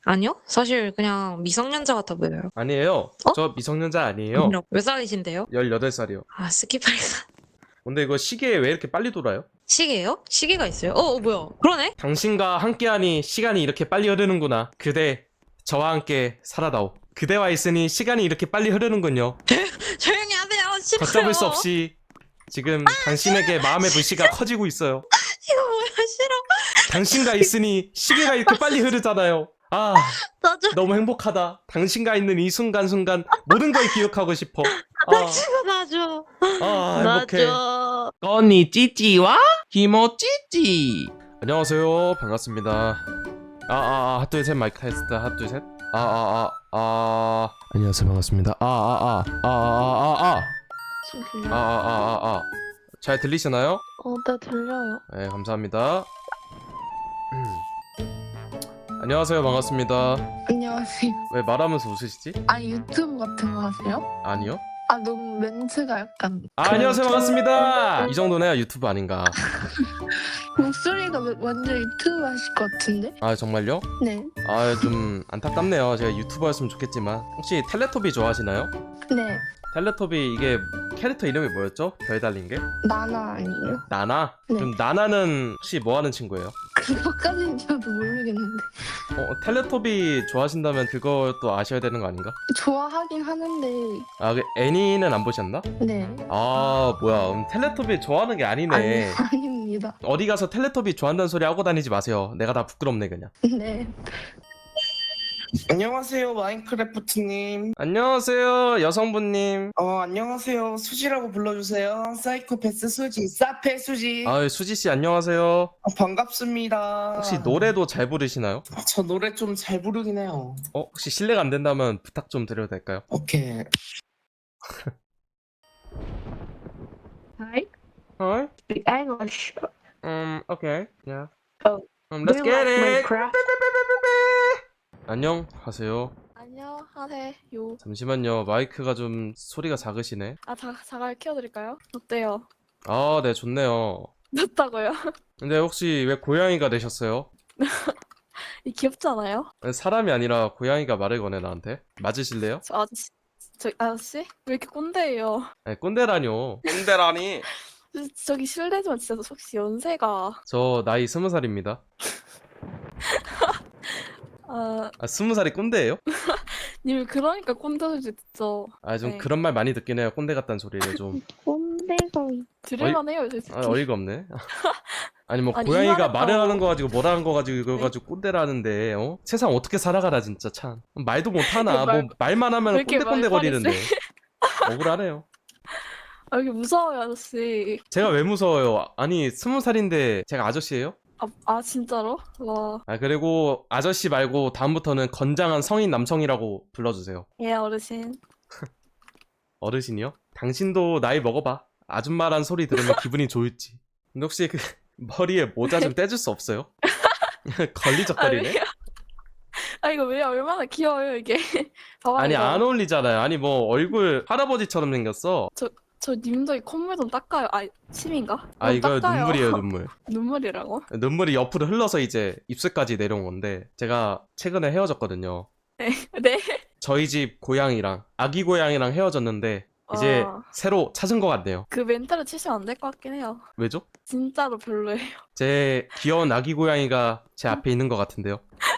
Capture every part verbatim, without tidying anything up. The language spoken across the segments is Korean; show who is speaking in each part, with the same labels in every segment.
Speaker 1: 아니요? 사실 그냥 미성년자 같아 보여요.
Speaker 2: 아니에요.
Speaker 1: 어?
Speaker 2: 저 미성년자 아니에요.
Speaker 1: 아니라고. 몇 살이신데요?
Speaker 2: 열여덟 살이요.
Speaker 1: 아, 스키팔
Speaker 2: 근데 이거 시계 왜 이렇게 빨리 돌아요?
Speaker 1: 시계요? 시계가 있어요? 어, 어, 뭐야? 그러네?
Speaker 2: 당신과 함께하니 시간이 이렇게 빨리 흐르는구나. 그대, 저와 함께 살아다오. 그대와 있으니 시간이 이렇게 빨리 흐르는군요.
Speaker 1: 조용히 하세요. 싫어요.
Speaker 2: 걷잡을 수 없이 지금 당신에게 마음의 불씨가 커지고 있어요.
Speaker 1: 이거 뭐야? 싫어.
Speaker 2: 당신과 있으니 시계가 이렇게 빨리 흐르잖아요. 아,
Speaker 1: 나 좀,
Speaker 2: 너무 행복하다. 당신과 있는 이 순간순간 모든 걸 기억하고 싶어.
Speaker 1: 나
Speaker 2: 아,
Speaker 1: 좀 놔줘.
Speaker 2: 아, 행복해.
Speaker 1: 놔줘.
Speaker 2: 건니 찌찌와 히모 찌찌. 안녕하세요. 반갑습니다. 아, 아, 아, 하나, 둘, 셋, 마이크 테스트. 하나, 둘, 셋. 아, 아, 아, 아. 안녕하세요. 반갑습니다. 아, 아, 아, 아, 아, 아, 아. 아, 아, 아, 아, 아. 잘 들리시나요?
Speaker 3: 어, 네, 들려요.
Speaker 2: 네, 감사합니다. 안녕하세요. 반갑습니다.
Speaker 3: 안녕하세요.
Speaker 2: 왜 말하면서 웃으시지?
Speaker 3: 아, 유튜브 같은 거 하세요?
Speaker 2: 아니요.
Speaker 3: 아, 너무 멘트가 약간.
Speaker 2: 아, 안녕하세요.
Speaker 3: 그래가지고.
Speaker 2: 반갑습니다. 이 정도는 해야 유튜브 아닌가.
Speaker 3: 목소리가 완전 유튜브 하실 것 같은데?
Speaker 2: 아, 정말요?
Speaker 3: 네.
Speaker 2: 아, 좀 안타깝네요. 제가 유튜버였으면 좋겠지만. 혹시 텔레토비 좋아하시나요?
Speaker 3: 네.
Speaker 2: 텔레토비 이게 캐릭터 이름이 뭐였죠? 별 달린 게?
Speaker 3: 나나 아니에요?
Speaker 2: 나나?
Speaker 3: 네.
Speaker 2: 그럼 나나는 혹시 뭐 하는 친구예요?
Speaker 3: 그거까지는 저도 모르겠는데.
Speaker 2: 어, 텔레토비 좋아하신다면 그것도 아셔야 되는 거 아닌가?
Speaker 3: 좋아하긴 하는데,
Speaker 2: 아, 그 애니는 안 보셨나?
Speaker 3: 네.
Speaker 2: 아, 뭐야. 음, 텔레토비 좋아하는 게 아니네.
Speaker 3: 아니, 아닙니다.
Speaker 2: 어디 가서 텔레토비 좋아한다는 소리 하고 다니지 마세요. 내가 다 부끄럽네, 그냥.
Speaker 3: 네.
Speaker 4: 안녕하세요, 마인크래프트님.
Speaker 2: 안녕하세요, 여성분님.
Speaker 4: 어, 안녕하세요. 수지라고 불러주세요. 사이코패스 수지, 사페 수지.
Speaker 2: 아, 수지씨, 안녕하세요.
Speaker 4: 어, 반갑습니다.
Speaker 2: 혹시 노래도 잘 부르시나요?
Speaker 4: 아, 저 노래 좀 잘 부르긴 해요.
Speaker 2: 어, 혹시 실례가 안 된다면 부탁 좀 드려도 될까요?
Speaker 4: 오케이.
Speaker 3: Hi.
Speaker 2: Hi.
Speaker 3: Speak English.
Speaker 2: Um, okay. Yeah.
Speaker 3: Oh.
Speaker 2: Um,
Speaker 3: Do
Speaker 2: let's
Speaker 3: you
Speaker 2: get
Speaker 3: like
Speaker 2: it.
Speaker 3: Minecraft?
Speaker 2: 안녕하세요.
Speaker 5: 안녕하세요.
Speaker 2: 잠시만요. 마이크가 좀 소리가 작으시네.
Speaker 5: 아, 자, 자갈 키워드릴까요? 어때요?
Speaker 2: 아, 네, 좋네요.
Speaker 5: 좋다고요?
Speaker 2: 근데 혹시 왜 고양이가 되셨어요?
Speaker 5: 이 귀엽지 않아요?
Speaker 2: 사람이 아니라 고양이가 말을 거네, 나한테. 맞으실래요?
Speaker 5: 저 아저씨, 저 아저씨? 왜 이렇게 꼰대예요?
Speaker 2: 아니, 꼰대라뇨.
Speaker 4: 꼰대라니.
Speaker 5: 저- 저기 실례지만 진짜 혹시 연세가
Speaker 2: 저 나이 스무 살입니다.
Speaker 5: 아,
Speaker 2: 아, 스무 살이 꼰대예요?
Speaker 5: 님 그러니까 꼰대 소리 듣죠.
Speaker 2: 아, 좀
Speaker 5: 네.
Speaker 2: 그런 말 많이 듣긴 해요. 꼰대 같다는 소리를 좀.
Speaker 3: 꼰대가
Speaker 5: 들을만해요, 솔직히.
Speaker 2: 아, 어이가 없네. 아니 뭐
Speaker 5: 아니,
Speaker 2: 고양이가
Speaker 5: 이만했다고.
Speaker 2: 말을 하는 거 가지고 뭐라는 거 가지고 이거
Speaker 5: 네?
Speaker 2: 가지고 꼰대라는데 어? 세상 어떻게 살아가라 진짜 참. 말도 못 하나.
Speaker 5: 말-
Speaker 2: 뭐 말만 하면
Speaker 5: 왜 이렇게
Speaker 2: 꼰대꼰대 거리는데.
Speaker 5: 말빨이
Speaker 2: 억울하네요.
Speaker 5: 아, 이렇게 무서워요, 아저씨.
Speaker 2: 제가 왜 무서워요? 아니 스무 살인데 제가 아저씨예요?
Speaker 5: 아, 아 진짜로? 와.
Speaker 2: 아 그리고 아저씨 말고 다음부터는 건장한 성인 남성이라고 불러주세요.
Speaker 5: 예, 어르신.
Speaker 2: 어르신이요? 당신도 나이 먹어봐. 아줌마란 소리 들으면 기분이 좋을지. 근데 혹시 그 머리에 모자 좀 떼줄 수 없어요?
Speaker 5: 아,
Speaker 2: 걸리적거리네.
Speaker 5: 왜요? 아, 이거 왜 얼마나 귀여워요, 이게. 봐봐,
Speaker 2: 아니
Speaker 5: 이거.
Speaker 2: 안 어울리잖아요. 아니 뭐 얼굴 할아버지처럼 생겼어.
Speaker 5: 저 님도 이 콧물 좀 닦아요. 아, 침인가?
Speaker 2: 아
Speaker 5: 좀
Speaker 2: 이거
Speaker 5: 닦아요.
Speaker 2: 눈물이에요 눈물.
Speaker 5: 눈물이라고?
Speaker 2: 눈물이 옆으로 흘러서 이제 입술까지 내려온 건데 제가 최근에 헤어졌거든요.
Speaker 5: 네.
Speaker 2: 저희 집 고양이랑 아기 고양이랑 헤어졌는데 이제
Speaker 5: 아.
Speaker 2: 새로 찾은 것 같네요.
Speaker 5: 그 멘트를 치시면 안 될 것 같긴 해요.
Speaker 2: 왜죠?
Speaker 5: 진짜로 별로예요.
Speaker 2: 제 귀여운 아기 고양이가 제 앞에 있는 것 같은데요.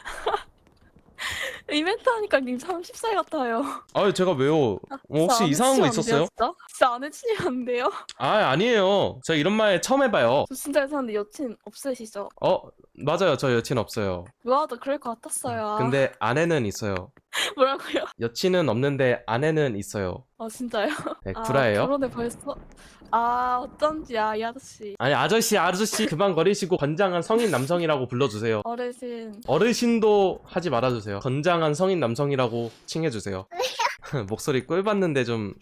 Speaker 5: 이 멘트 하니까 님 서른 살 같아요.
Speaker 2: 아유 제가 왜요? 어, 혹시
Speaker 5: 진짜 안
Speaker 2: 이상한 거
Speaker 5: 해주시면 안 돼요,
Speaker 2: 있었어요?
Speaker 5: 진짜? 진짜 안 해주시면 안 돼요?
Speaker 2: 아 아니에요. 저 이런 말 처음 해봐요.
Speaker 5: 저 진짜 이상한데 여친 없으시죠?
Speaker 2: 어 맞아요. 저 여친 없어요.
Speaker 5: 뭐라도 그럴 것 같았어요.
Speaker 2: 근데 아내는 있어요.
Speaker 5: 뭐라고요?
Speaker 2: 여친은 없는데 아내는 있어요.
Speaker 5: 아 진짜요?
Speaker 2: 네,
Speaker 5: 아,
Speaker 2: 구라예요?
Speaker 5: 결혼에 벌써? 아 어쩐지 아 이 아저씨
Speaker 2: 아니 아저씨 아저씨 그만 거리시고 건장한 성인 남성이라고 불러주세요.
Speaker 5: 어르신
Speaker 2: 어르신도 하지 말아주세요. 건장한 성인 남성이라고 칭해주세요. 목소리 꿀받는데 좀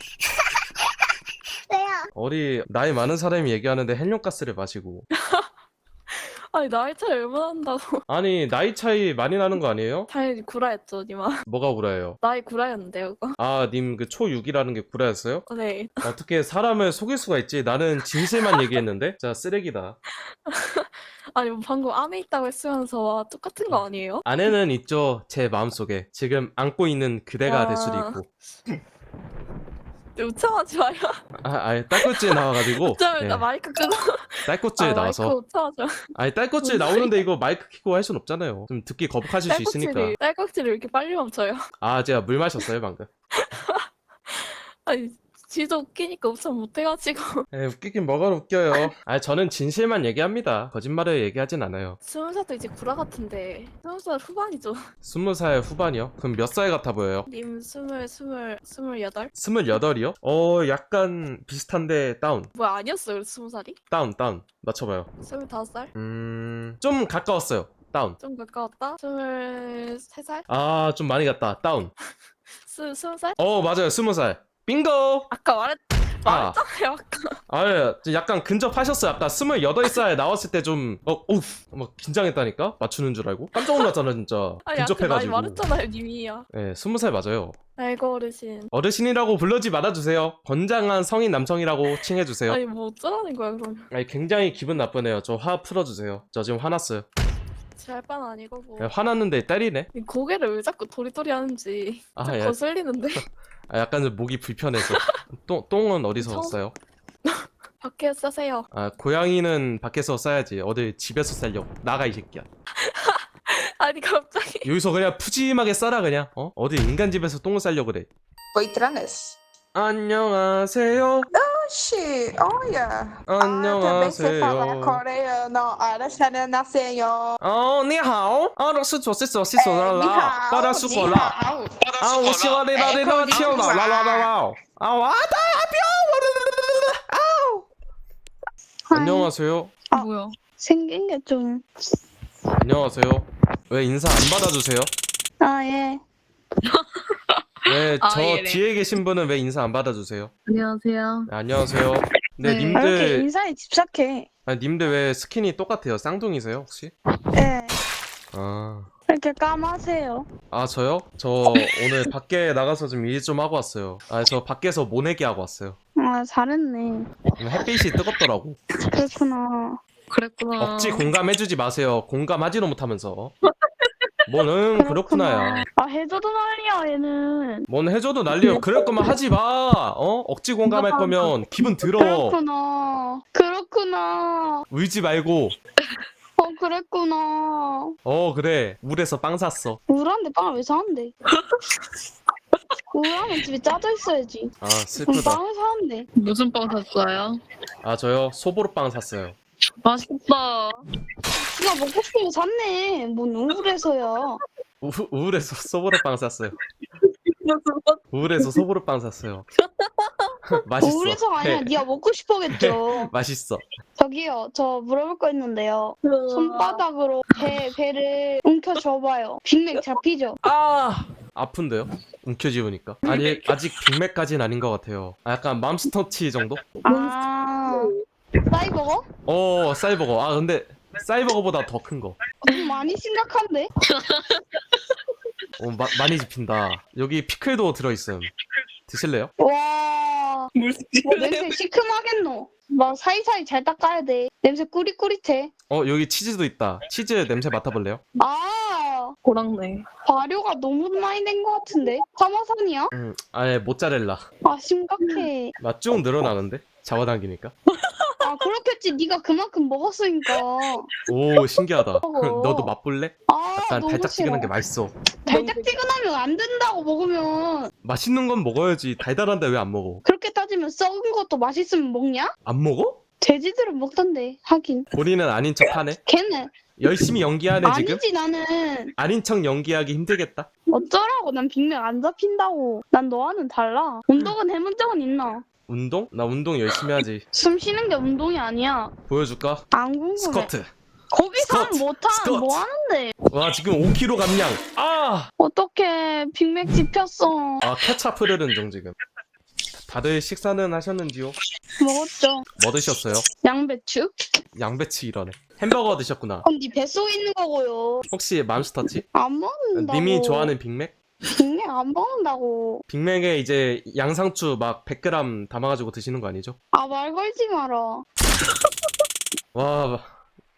Speaker 2: 어리 나이 많은 사람이 얘기하는데 헬륨가스를 마시고
Speaker 5: 아니 나이 차이 얼마나 난다고.
Speaker 2: 아니 나이 차이 많이 나는 거 아니에요?
Speaker 5: 당연히 구라였죠 니마.
Speaker 2: 뭐가 구라예요?
Speaker 5: 나이 구라였는데요 그거?
Speaker 2: 아 님 그 초육이라는 게 구라였어요?
Speaker 5: 네.
Speaker 2: 어떻게 사람을 속일 수가 있지? 나는 진실만 얘기했는데? 자 쓰레기다.
Speaker 5: 아니 뭐 방금 안에 있다고 했으면서 똑같은 거 아니에요?
Speaker 2: 아내는 있죠. 제 마음속에. 지금 안고 있는 그대가 될 수도
Speaker 5: 아.
Speaker 2: 있고.
Speaker 5: 우창하지 마요.
Speaker 2: 아, 아니 딸꾹질 나와가지고.
Speaker 5: 어쩌면
Speaker 2: 예,
Speaker 5: 나 마이크 끄고.
Speaker 2: 딸꾹질
Speaker 5: 아,
Speaker 2: 나와서.
Speaker 5: 마이크 우창하지 마.
Speaker 2: 아니 딸꾹질 나오는데 이거 마이크 켜고 할 순 없잖아요. 좀 듣기 거북하실 수 있으니까.
Speaker 5: 딸꾹질이 딸꾹질이 왜 이렇게 빨리 멈춰요?
Speaker 2: 아 제가 물 마셨어요 방금.
Speaker 5: 아니 지도 웃기니까 우창 못해가지고.
Speaker 2: 에 웃기긴 뭐가 웃겨요. 아 저는 진실만 얘기합니다. 거짓말을 얘기하진 않아요.
Speaker 5: 스무 살도 이제 구라 같은데 스무 살 후반이죠.
Speaker 2: 스무 살 후반이요? 그럼 몇 살 같아 보여요?
Speaker 5: 님 스물 스물 스물여덟?
Speaker 2: 스물여덟이요? 어 약간 비슷한데 다운.
Speaker 5: 뭐야 아니었어요 스무 살이?
Speaker 2: 다운 다운. 맞춰봐요.
Speaker 5: 스물다섯 살?
Speaker 2: 음... 좀 가까웠어요. 다운.
Speaker 5: 좀 가까웠다? 스물세 살?
Speaker 2: 아 좀 많이 갔다. 다운.
Speaker 5: 스 스무 살?
Speaker 2: 어 맞아요. 스무 살. 빙고!
Speaker 5: 아까 말했
Speaker 2: 아,
Speaker 5: 말했잖아요 아까.
Speaker 2: 아, 예, 약간 근접하셨어요. 아까 스물여덟 살 나왔을 때 좀, 어, 어우, 막 긴장했다니까? 맞추는 줄 알고? 깜짝 놀랐잖아, 진짜.
Speaker 5: 아니 아까 나이
Speaker 2: 근접해가지고.
Speaker 5: 말했잖아요 님이야.
Speaker 2: 예, 스무 살 맞아요.
Speaker 5: 알고 어르신.
Speaker 2: 어르신이라고 불러지 말아주세요. 건장한 성인 남성이라고 칭해주세요.
Speaker 5: 아니 뭐 어쩌라는 거야 그러면.
Speaker 2: 아니, 굉장히 기분 나쁘네요. 저 화 풀어주세요. 저 지금 화났어요.
Speaker 5: 제 할 바는 아니고 뭐.
Speaker 2: 예, 화났는데 때리네?
Speaker 5: 이 고개를 왜 자꾸 도리도리 하는지
Speaker 2: 아,
Speaker 5: 좀
Speaker 2: 예.
Speaker 5: 거슬리는데.
Speaker 2: 아, 약간 좀 목이 불편해서. 똥, 똥은 어디서
Speaker 5: 성-
Speaker 2: 싸요?
Speaker 5: 밖에 싸세요.
Speaker 2: 아, 고양이는 밖에서 싸야지. 어디 집에서 싸려고. 나가, 이 새끼야.
Speaker 5: 아니 갑자기.
Speaker 2: 여기서 그냥 푸짐하게 싸라, 그냥. 어? 어디 인간 집에서 똥을 싸려고 그래.
Speaker 6: Waitress.
Speaker 2: 안녕하세요.
Speaker 6: Oxi, olha. Ah, também sei falar
Speaker 2: 안녕하세요.
Speaker 6: coreano. Olha, 안녕하세요.
Speaker 2: 어, 你好. 아, 我是左是左是左啦啦，巴拉苏果啦。啊，我喜欢你那里那跳啦啦啦啦啦。啊，我的아, 안녕하세요.
Speaker 3: 뭐야? 생긴 게 좀.
Speaker 2: 안녕하세요. 왜 인사 안 받아주세요?
Speaker 3: 아, 예.
Speaker 2: 왜 저
Speaker 1: 아, 예네.
Speaker 2: 뒤에 계신 분은 왜 인사 안 받아주세요?
Speaker 3: 안녕하세요.
Speaker 2: 네, 안녕하세요. 네,
Speaker 1: 네.
Speaker 3: 왜 이렇게
Speaker 2: 님들,
Speaker 3: 인사에 집착해?
Speaker 2: 아니, 님들 왜 스킨이 똑같아요? 쌍둥이세요, 혹시?
Speaker 3: 예.
Speaker 2: 아,
Speaker 3: 이렇게 까마세요.
Speaker 2: 아 저요? 저 오늘 밖에 나가서 좀 일 좀 하고 왔어요. 아, 저 밖에서 모내기 하고 왔어요.
Speaker 3: 아, 잘했네.
Speaker 2: 햇빛이 뜨겁더라고.
Speaker 3: 그렇구나.
Speaker 1: 그랬구나.
Speaker 2: 억지 공감해주지 마세요. 공감하지도 못하면서. 뭐는 그렇구나야.
Speaker 3: 아, 해줘도 난리야, 얘는.
Speaker 2: 뭔 해줘도 난리요. 그럴 거면 하지 마. 어? 억지 공감할 거면 기분 들어.
Speaker 3: 그렇구나. 그렇구나.
Speaker 2: 울지 말고.
Speaker 3: 어, 그랬구나.
Speaker 2: 어 그래. 울에서 빵 샀어.
Speaker 3: 우울한데 빵을 왜 사는데? 우울하면 집에 짜져 있어야지.
Speaker 2: 아
Speaker 3: 그럼
Speaker 2: 슬프다.
Speaker 3: 빵을 사는데.
Speaker 1: 무슨 빵 샀어요?
Speaker 2: 아 저요 소보로 빵 샀어요.
Speaker 1: 맛있겠다.
Speaker 3: 지가 먹고 싶은 거 샀네. 뭔 우울해서야.
Speaker 2: 우, 우울해서 소보로 빵 샀어요. 우울해서 소보로 빵 샀어요. 맛있어.
Speaker 3: 우울해서가 아니라
Speaker 2: 해.
Speaker 3: 네가 먹고 싶어겠죠.
Speaker 2: 맛있어.
Speaker 3: 저기요, 저 물어볼 거 있는데요. 손바닥으로 배, 배를 움켜줘봐요. 빅맥 잡히죠?
Speaker 2: 아 아픈데요? 움켜쥐우니까. 아니 아직 빅맥까지는 아닌 것 같아요. 아, 약간 맘스터치 정도?
Speaker 3: 아, 사이버거?
Speaker 2: 어 사이버거. 아 근데 사이버거보다 더 큰 거.
Speaker 3: 좀 많이 심각한데?
Speaker 2: 어, 마, 많이 집힌다. 여기 피클도 들어있음. 드실래요?
Speaker 3: 와, 뭐 냄새 시큼하겠노? 막 사이사이 잘 닦아야 돼. 냄새 꾸릿꾸릿해.
Speaker 2: 어 여기 치즈도 있다. 치즈 냄새 맡아볼래요?
Speaker 3: 아,
Speaker 1: 고랑네.
Speaker 3: 발효가 너무 많이 된 것 같은데? 파마산이야?
Speaker 2: 음, 아예 모짜렐라.
Speaker 3: 아, 심각해.
Speaker 2: 맛 쭉 늘어나는데? 잡아당기니까.
Speaker 3: 아, 그렇겠지. 네가 그만큼 먹었으니까.
Speaker 2: 오 신기하다.
Speaker 3: 먹어.
Speaker 2: 너도 맛볼래?
Speaker 3: 아,
Speaker 2: 약간
Speaker 3: 너무 싫어.
Speaker 2: 달짝지근한 게 맛있어.
Speaker 3: 달짝지근하면 안 된다고 먹으면.
Speaker 2: 맛있는 건 먹어야지. 달달한데 왜 안 먹어?
Speaker 3: 그렇게 따지면 썩은 것도 맛있으면 먹냐?
Speaker 2: 안 먹어?
Speaker 3: 돼지들은 먹던데. 하긴.
Speaker 2: 본인은 아닌 척 하네.
Speaker 3: 걔는
Speaker 2: 열심히 연기하네 지금.
Speaker 3: 아니지. 나는
Speaker 2: 아닌 척 연기하기 힘들겠다.
Speaker 3: 어쩌라고. 난 빅맥 안 잡힌다고. 난 너와는 달라. 운동은 해본 적은 있나?
Speaker 2: 운동? 나 운동 열심히 하지.
Speaker 3: 숨 쉬는 게 운동이 아니야.
Speaker 2: 보여줄까?
Speaker 3: 안 궁금해.
Speaker 2: 스쿼트.
Speaker 3: 거기서
Speaker 2: 스쿼트.
Speaker 3: 못하
Speaker 2: 스쿼트.
Speaker 3: 뭐 하는데?
Speaker 2: 와 지금 오 킬로그램 감량. 아!
Speaker 3: 어떻게 빅맥 집혔어?
Speaker 2: 아 케찹 흐르는 중 지금. 다들 식사는 하셨는지요?
Speaker 3: 먹었죠.
Speaker 2: 뭐 드셨어요?
Speaker 3: 양배추?
Speaker 2: 양배추 이러네. 햄버거 드셨구나.
Speaker 3: 그럼 네 뱃속에 있는 거고요.
Speaker 2: 혹시 맘스터치?
Speaker 3: 안 먹는다고.
Speaker 2: 님이 좋아하는 빅맥?
Speaker 3: 빅맥 안 먹는다고.
Speaker 2: 빅맥에 이제 양상추 막 백 그램 담아가지고 드시는 거 아니죠?
Speaker 3: 아, 말 걸지 마라.
Speaker 2: 와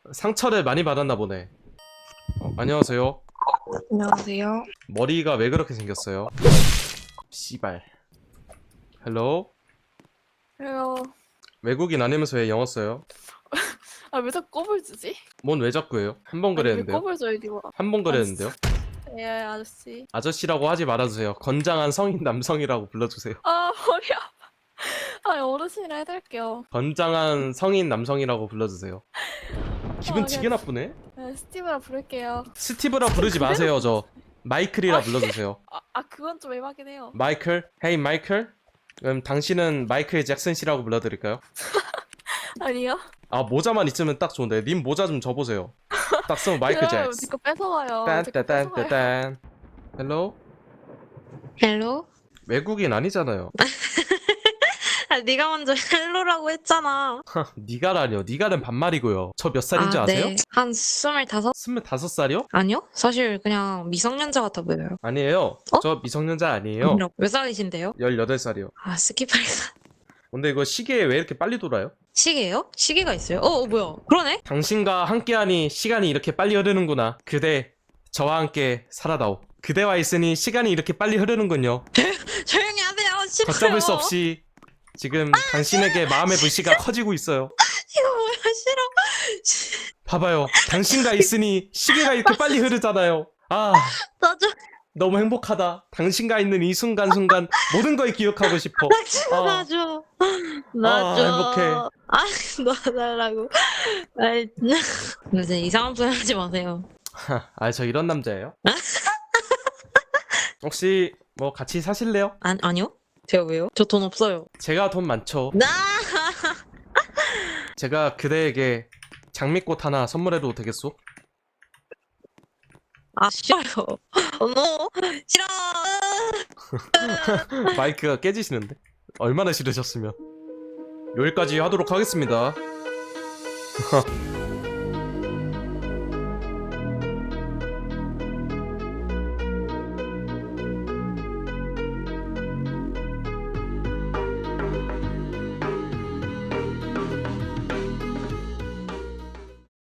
Speaker 2: 상처를 많이 받았나 보네. 어, 안녕하세요.
Speaker 6: 안녕하세요.
Speaker 2: 머리가 왜 그렇게 생겼어요? 씨발. 헬로?
Speaker 5: 그래요.
Speaker 2: 외국인 아니면서 왜 영어 써요?
Speaker 5: 아 왜 자꾸 꼽을 주지?
Speaker 2: 뭔 왜 자꾸 해요? 한 번
Speaker 5: 아니, 왜
Speaker 2: 그랬는데요?
Speaker 5: 꼽을 줘 이리 와.
Speaker 2: 한 번 그랬는데요?
Speaker 5: 예 아저씨.
Speaker 2: 아저씨라고 하지 말아주세요. 건장한 성인 남성이라고 불러주세요.
Speaker 5: 아 머리 아파. 아 어르신이라 해드릴게요.
Speaker 2: 건장한 성인 남성이라고 불러주세요. 기분
Speaker 5: 아,
Speaker 2: 되게
Speaker 5: 그냥-
Speaker 2: 나쁘네?
Speaker 5: 네, 스티브라 부를게요.
Speaker 2: 스티브라 부르지
Speaker 5: 그대로
Speaker 2: 마세요. 저 마이클이라 불러주세요.
Speaker 5: 아, 아 그건 좀 애매하긴 해요.
Speaker 2: 마이클? 헤이 마이클? 그럼 당신은 마이클 잭슨 씨라고 불러드릴까요?
Speaker 5: 아니요.
Speaker 2: 아 모자만 있으면 딱 좋은데 님 모자 좀 줘보세요. 딱 쓰면 마이클
Speaker 5: 그래요,
Speaker 2: 잭슨.
Speaker 5: 제거 뺏어와요. 제거 뺏어와요.
Speaker 2: 딴딴딴딴. 헬로?
Speaker 7: 헬로?
Speaker 2: 외국인 아니잖아요.
Speaker 7: 아, 네가 먼저 헬로라고 했잖아.
Speaker 2: 니가라뇨. 니가는 반말이고요. 저 몇 살인 줄
Speaker 7: 아,
Speaker 2: 아세요?
Speaker 7: 네. 한 스물다섯?
Speaker 2: 스물다섯 살이요?
Speaker 7: 아니요? 사실 그냥 미성년자 같아 보여요.
Speaker 2: 아니에요.
Speaker 7: 어?
Speaker 2: 저 미성년자 아니에요.
Speaker 7: 아니라 몇 살이신데요?
Speaker 2: 열여덟 살이요.
Speaker 7: 아, 스키팔사.
Speaker 2: 근데 이거 시계에 왜 이렇게 빨리 돌아요?
Speaker 7: 시계요? 시계가 있어요? 어, 어 뭐야? 그러네?
Speaker 2: 당신과 함께하니 시간이 이렇게 빨리 흐르는구나. 그대, 저와 함께 살아다오. 그대와 있으니 시간이 이렇게 빨리 흐르는군요.
Speaker 7: 조용히 하세요. 싫어요.
Speaker 2: 걷잡을 수 없이 지금 당신에게 마음의 불씨가 커지고 있어요.
Speaker 7: 이거 뭐야? 싫어.
Speaker 2: 봐봐요. 당신과 있으니 시계가 이렇게 빨리 흐르잖아요. 아,
Speaker 7: 나 좀,
Speaker 2: 너무 행복하다. 당신과 있는 이 순간순간 모든 걸 기억하고 싶어. 아,
Speaker 7: 나 줘. 나
Speaker 2: 아,
Speaker 7: 줘.
Speaker 2: 행복해.
Speaker 7: 아, 놔달라고. 아이, 근데 이상한 소리 하지 마세요.
Speaker 2: 아, 저 이런 남자예요? 혹시 뭐 같이 사실래요?
Speaker 7: 아, 아니요? 제가 왜요? 저 돈 없어요.
Speaker 2: 제가 돈 많죠.
Speaker 7: 나!
Speaker 2: 제가 그대에게 장미꽃 하나 선물해도 되겠소?
Speaker 7: 아, 싫어요. 어, no. 싫어.
Speaker 2: 마이크가 깨지시는데? 얼마나 싫으셨으면 여기까지 하도록 하겠습니다.